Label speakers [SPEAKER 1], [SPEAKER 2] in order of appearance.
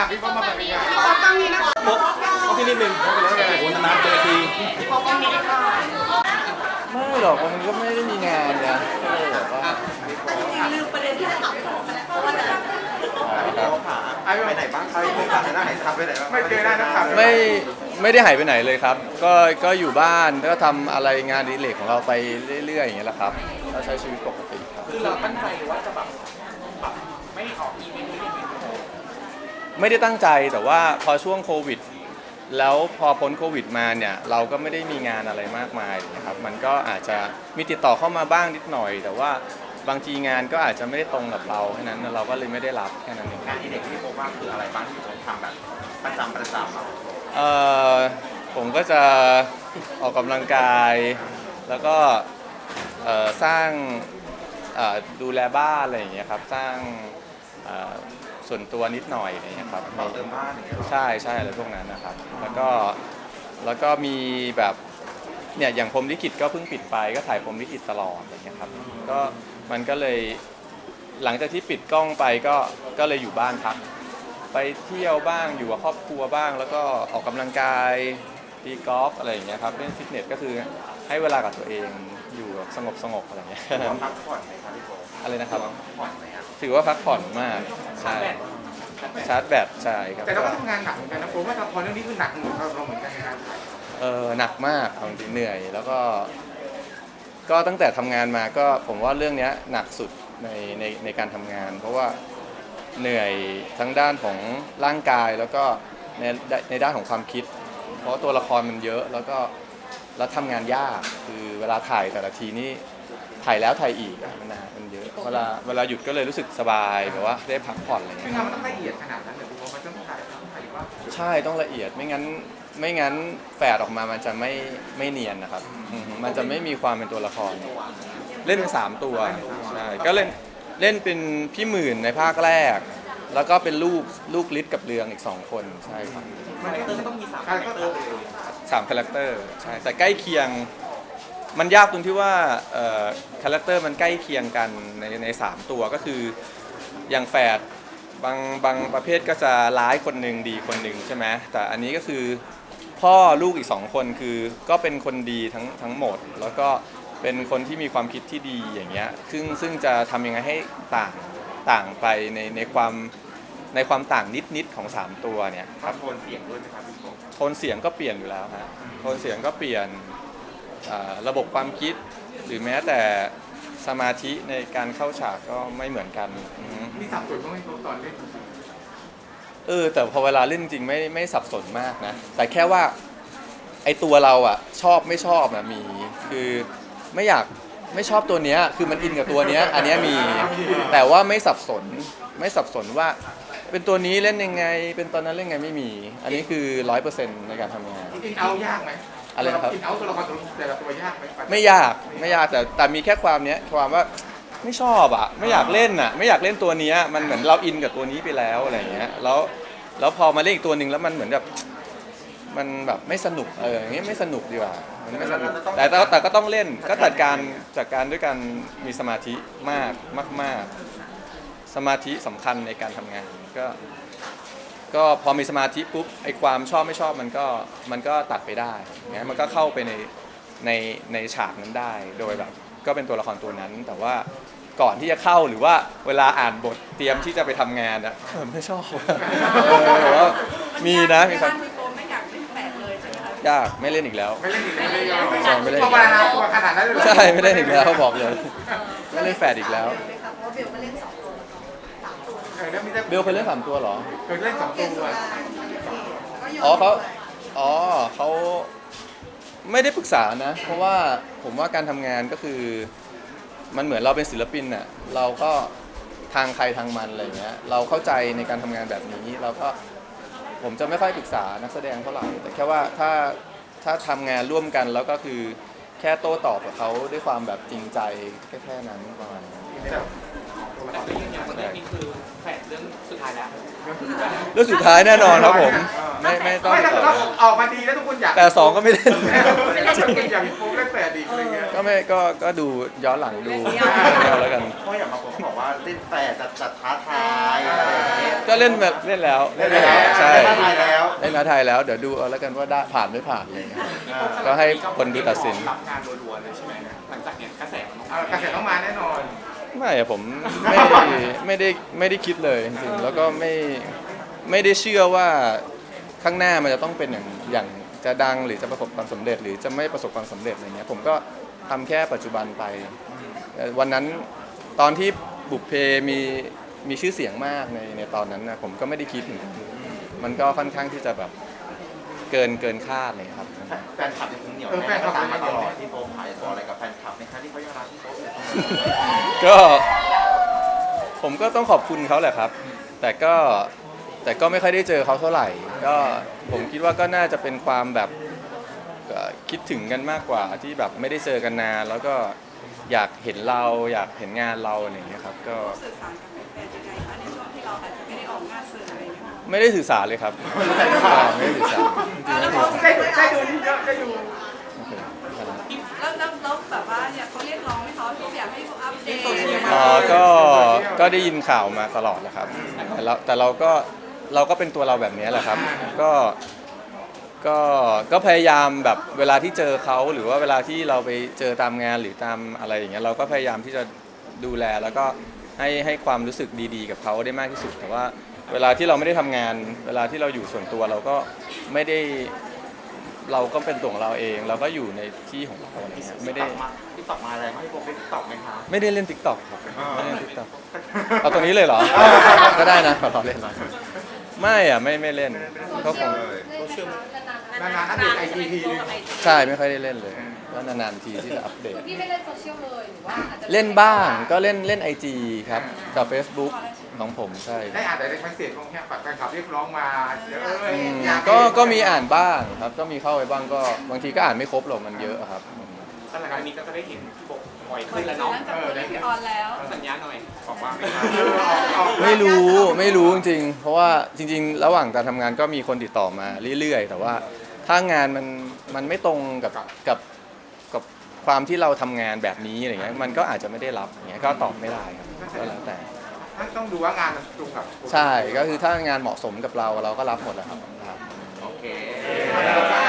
[SPEAKER 1] พี่ป๊อปมาเป็นยังไง
[SPEAKER 2] พี่ป๊อปต้องนี้นะคะ
[SPEAKER 3] ก็พี่นิดนึงโอ้โหนานๆเจอที
[SPEAKER 2] พี่ป๊อปต้องนี้ค่ะ
[SPEAKER 4] ไม่หรอกมันก็ไม่ได้มีงานนะก็เลยแบบว่า
[SPEAKER 2] ลืมประเด็นที่จะถามของไปแล้วเพราะว่าจะ
[SPEAKER 1] ไปไหนบ้างครับไปไหนครับไปไหนบ้างไม่เจอหน้านักข่าว
[SPEAKER 4] ไม่ได้หายไปไหนเลยครับก็อยู่บ้านก็ทำอะไรงานอดิเรกของเราไปเรื่อยๆอย่างเงี้ยแหละครับก็ใช้ชีวิตปกติครับ
[SPEAKER 3] คือเราตั้งใจว่าจะแบบไม่ออกอีเวนต์ไม่ได้
[SPEAKER 4] ไม่ได้ตั้งใจแต่ว่าพอช่วงโควิดแล้วพอพ้นโควิดมาเนี่ยเราก็ไม่ได้มีงานอะไรมากมายนะครับมันก็อาจจะมีติดต่อเข้ามาบ้างนิดหน่อย แต่ว่าบางทีงานก็อาจจะไม่ได้ตรงกับเราแค่นั้นเราก็เลยไม่ได้รับแค่นั้นเอง
[SPEAKER 1] งานที่เด็กที่ผมว่าคืออะไรบ้างที่ผมทำแบบประจำ
[SPEAKER 4] ผมก็จะออกกำลังกายแล้วก็สร้างดูแลบ้านอะไรอย่างเงี้ยครับสร้างส่วนตัวนิดหน่อยอะไรอย่างเงี้ยครับ
[SPEAKER 1] เติมบ้านอย่างเงี้ย
[SPEAKER 4] ใช่อะไรพวกนั้นนะครับแล้วก็มีแบบเนี่ยอย่างพรหมลิขิตก็เพิ่งปิดไปก็ถ่ายพรหมลิขิตตลอดอะไรเงี้ยครับก็มันก็เลยหลังจากที่ปิดกล้องไปก็เลยอยู่บ้านพักไปเที่ยวบ้างอยู่กับครอบครัวบ้าง แล้วก็ออกกำลังกายตีกอล์ฟอะไรอย่างเงี้ยครับเล่นฟิตเนสก็คือให้เวลากับตัวเองอยู่แบบสงบอะไรเงี้ย
[SPEAKER 1] พักผ่อนไหมครับพี่โบ
[SPEAKER 4] อะไรนะครับ
[SPEAKER 1] พักผ่อนไหมครับ
[SPEAKER 4] ถือว่าพักผ่อนมากใช่ชาร์จแบตใช่ครับ
[SPEAKER 1] แต่เราก็ทำงานหนักเหมือนกันนะผมว่าละครเรื่องนี้คือหนักเหมือนเราเหมือนกันนะครับ
[SPEAKER 4] หนักมากบางทีเหนื่อยแล้วก็ตั้งแต่ทำงานมาก็ผมว่าเรื่องนี้หนักสุดในการทำงาน เพราะว่าเหนื่อยทั้งด้านของร่างกายแล้วก็ในด้านของความคิด เพราะตัวละครมันเยอะแล้วทำงานยากคือเวลาถ่ายแต่ละทีนี่ถ่ายแล้วถ่ายอีกมันนานมันเยอะเวลาหยุดก็เลยรู้สึกสบายแบบว่าได้พักผ่อนอะไร
[SPEAKER 1] คื
[SPEAKER 4] เงี้
[SPEAKER 1] อย งานมันต้องละเอียดขนาดนั้นเลยพี่โบมันต้องถ่ายว่า
[SPEAKER 4] ใช่ต้องละเอียดไม่งั้นแฝดออกมามันจะไม่เนียนนะครับมันจะไม่มีความเป็นตัวละครเล่นเป็น3ตัวใช่ก็เล่นเป็นพี่หมื่นในภาคแรก แล้วก็เป็นลูกฤทธิ์กับเรืองอีก2คนใช่ครับ
[SPEAKER 3] คาแรคเตอร์ก็ต้องมี3คาแรคเตอร์
[SPEAKER 4] 3คาแรคเตอร์ใช่แต่ใกล้เคียงมันยากตรงที่ว่าคาแรคเตอร์มันใกล้เคียงกันใน3ตัวก็คืออย่างแฝดบางประเภทก็จะร้ายคนหนึ่งดีคนหนึ่งใช่ไหมแต่อันนี้ก็คือพ่อลูกอีก2คนคือก็เป็นคนดีทั้งหมด แล้วก็เป็นคนที่มีความคิดที่ดีอย่างเงี้ยซึ่งจะทำยังไงให้ต่างไปในความต่างนิดของ3ตัวเนี่ยครับ
[SPEAKER 1] โทนเสียงด้วยนะครับพี่โบ
[SPEAKER 4] โทนเสียงก็เปลี่ยนอยู่แล้วฮะโทนเสียงก็เปลี่ยนระบบความคิดหรือแม้แต่สมาธิในการเข้าฉากก็ไม่เหมือนกัน
[SPEAKER 1] มีสับสนบ้างไหมตอนเล่น
[SPEAKER 4] แต่พอเวลาเล่นจริงไม่สับสนมากนะแต่แค่ว่าไอตัวเราอ่ะชอบไม่ชอบนะมีคือไม่ชอบตัวเนี้ยคือมันอินกับตัวเนี้ยอันเนี้ยมีแต่ว่าไม่สับสนว่าเป็นตัวนี้เล่นยังไงเป็นตอนนั้นเล่นยังไงไม่มีอันนี้คือ 100% ในการทำงาน
[SPEAKER 1] อินเอายากไหม
[SPEAKER 4] อะไรนะครับ
[SPEAKER 1] อินเอาตัวละครแต่ละตัวยากไหม
[SPEAKER 4] ไม่ยากแต่มีแค่ความว่าไม่ชอบอ่ะไม่อยากเล่นอ่ะไม่อยากเล่นตัวเนี้ยมันเหมือนเราอินกับตัวนี้ไปแล้วอะไรอย่างเงี้ยแล้วพอมาเล่นอีกตัวหนึ่งแล้วมันเหมือนแบบมันแบบไม่สนุกอย่างเงี้ยไม่สนุกดีกว่ามันไม่สนุกแต่ก็ต้องเล่นก็จัดการด้วยการมีสมาธิมากสมาธิสำคัญในการทำงานก็พอมีสมาธิปุ๊บไอ้ความชอบไม่ชอบมันก็ตัดไปได้งั้นมันก็เข้าไปในฉากนั้นได้โดยแบบก็เป็นตัวละครตัวนั้นแต่ว่าก่อนที่จะเข้าหรือว่าเวลาอ่านบทเตรียมที่จะไปทำงานอะไม่ชอบแต่ว่ามีนะมีครับ
[SPEAKER 2] พี่โบไม่อยากเป็นแฝดเลยใช่ไหมคะ
[SPEAKER 4] ยากไม่เล่นอีกแล้ว
[SPEAKER 1] ไม่เล่นอีกแล้ว
[SPEAKER 4] ไม่เล่น
[SPEAKER 1] ตัวบานาตัวขนาดนั้นเลย
[SPEAKER 4] ใช่ไม่เล่นอีกแล้วบอกเลยไม่เล่นแฝดอีกแล้ว
[SPEAKER 2] เพราะว่าเบลก็เล่น2 ตัวแล้วก็3 ตัว
[SPEAKER 4] เบลเคยเล่น3 ตัวเหรอ
[SPEAKER 1] เคยเล่น2 ตัว
[SPEAKER 4] เขาไม่ได้ปรึกษานะเพราะว่าผมว่าการทำงานก็คือมันเหมือนเราเป็นศิลปินน่ะเราก็ทางใครทางมันอะไรเงี้ยเราเข้าใจในการทำงานแบบนี้เราก็ผมจะไม่ค่อยปรึกษานักแสดงเท่าไหร่แต่แค่ว่าถ้าทำงานร่วมกันแล้วก็คือแค่โต้ตอบกับเขาด้วยความแบบจริงใจแค่นั้นประมาณนั้น
[SPEAKER 3] แต่ก็ยืนยันว่าเรื่องนี้คือแฝดเรื่องสุดท้ายแล้ว
[SPEAKER 4] เรื่องสุดท้ายแน่นอนครับผมไม่ต้อง
[SPEAKER 1] ไม่ถ้าเกิดว่าออกมาดีแล้วทุกคนอยาก
[SPEAKER 4] แต่2ก็ไม่เล่น
[SPEAKER 1] อยากมีโฟมเล่นแปดอีกอะไรเงี้ย
[SPEAKER 4] ก็ดูย้อนหลังดูแล้วกัน
[SPEAKER 1] เพราะอย่างบางคนเขาบอกว่าเล่นแปดจะท้าทายอะไรอย่างเงี้ย
[SPEAKER 4] ก็เล่นแบบเล่นแล้ว
[SPEAKER 1] ได้แล้ว
[SPEAKER 4] ใช่
[SPEAKER 1] ได้ไทยแล้ว
[SPEAKER 4] เล่นท้าไทายแล้วเดี๋ยวดูเอาแล้วกันว่าได้ผ่านไม่ผ่านอะไรเงี้ยก็ให้คนดูตัดสิน
[SPEAKER 3] รับงานรัวๆเลยใช่ไหมหลังจากเนี้ยกระแสมันต้อง
[SPEAKER 1] กระแสต้องมาแน่นอน
[SPEAKER 4] ไม่อะผมไม่ได้คิดเลยจริงๆแล้วก็ไม่ได้เชื่อว่าข้างหน้ามันจะต้องเป็นอย่างจะดังหรือจะประสบความสำเร็จ หรือจะไม่ประสบความสำเร็จอะไรเงี้ยผมก็ทำแค่ปัจจุบันไปวันนั้นตอนที่บุพเพมีชื่อเสียงมากในตอนนั้นนะผมก็ไม่ได้คิดเหมือนกันมันก็ค่อนข้างที่จะแบบเกินคาดเลยครับ
[SPEAKER 1] แฟนคลับยังคงเหนียวแน่นตามมาตลอดที่โป๊ขายบอกอะไรกับแฟนคลับในครั้งที่เขายังรักที่โป๊อยู่เสมอ
[SPEAKER 4] ก็ผมก็ต้องขอบคุณเขาแหละครับ แต่ก็ไม่ค่อยได้เจอเขาเท่าไหร่ ก็ผมคิดว่าก็น่าจะเป็นความแบบคิดถึงกันมากกว่าที่แบบไม่ได้เจอกันนานแล้วก็อยากเห็นเราอยากเห็นงานเราอะไรอย่างเงี้ยครับก็
[SPEAKER 2] สื่อสารกับแฟนๆยังไงคะในช่วงที่เราอาจจะไม่ได้ออกงานสื่ออะไรอย่างเงี้ย
[SPEAKER 4] ไม่ได้สื่อสารเลยครับไม่ได้สื่อสารจริงๆ
[SPEAKER 2] แล้ว
[SPEAKER 1] ได้ดูได้ดู
[SPEAKER 4] โอเค
[SPEAKER 2] แล้วแบบว่าเนี่ยเขาเรียกร้องให้เขาอยากให้อัปเดต
[SPEAKER 4] อ๋อก็ได้ยินข่าวมาตลอดนะครับแต่เราก็เป็นตัวเราแบบนี้แหละครับก็พยายามแบบเวลาที่เจอเขาหรือว่าเวลาที่เราไปเจอตามงานหรือตามอะไรอย่างเงี้ยเราก็พยายามที่จะดูแลแล้วก็ให้ความรู้สึกดีๆกับเขาได้มากที่สุดแต่ว่าเวลาที่เราไม่ได้ทำงานเวลาที่เราอยู่ส่วนตัวเราก็ไม่ได้เราก็เป็นตัวของเราเอง เราก็อยู่ในที่ของเราอะไรเงี้ยไม่ได้
[SPEAKER 1] ที่ตอบมาอะไรให้โป๊เป็นตอบไหมคะ
[SPEAKER 4] ไม่ได้เล่น TikTok ครับไม่ได้เล่น TikTok เอาตรงนี้เลยเหรอ ก็ได้นะขอเล่นไม่อ่ะไม่เล่นก็คง
[SPEAKER 1] นานๆอัปเดตไอจีทีนึง
[SPEAKER 4] ใช่ไม่ค่อยได้เล่นเลยก็นานๆทีที่จะอัปเดต
[SPEAKER 5] พี่ไม่เล่นโซเชียลเลยหรือว่าอาจจะ
[SPEAKER 4] เล่นบ้างก็เล่น IG ครับกับ Facebook ของผมใช่
[SPEAKER 1] ได้อ่านแต่ในเมสเซจของแฟนคลับเรียกร้องมาเยอะเลย
[SPEAKER 4] ก็มีอ่านบ้างครับก็มีเข้าไปบ้างก็บางทีก็อ่านไม่ครบหรอกมันเยอะครับ
[SPEAKER 3] สถานการณ์นี้ก็จะได้เห็นพี่โบบ่อยขึ้นแล้วเนาะ
[SPEAKER 2] หลังจากตัวเลขพี่ออนแล้ว
[SPEAKER 3] สัญญาหน่อยบอกว่า
[SPEAKER 4] ไม่รู้จริงๆเพราะว่าจริงๆ ระหว่างการทำงานก็มีคนติดต่อมาเรื่อยๆ แต่ว่าถ้างานมันไม่ตรงกับความที่เราทำงานแบบนี้อะไรเงี้ยมันก็อาจจะไม่ได้รับอย่างเงี้ยก็ตอบไม่ได้ครับก็แล้วแต่
[SPEAKER 1] ต้องดูว่างานมันตรงกับ
[SPEAKER 4] ใช่ก็คือถ้างานเหมาะสมกับเราก็รับหมดแหละครับ
[SPEAKER 1] โอเค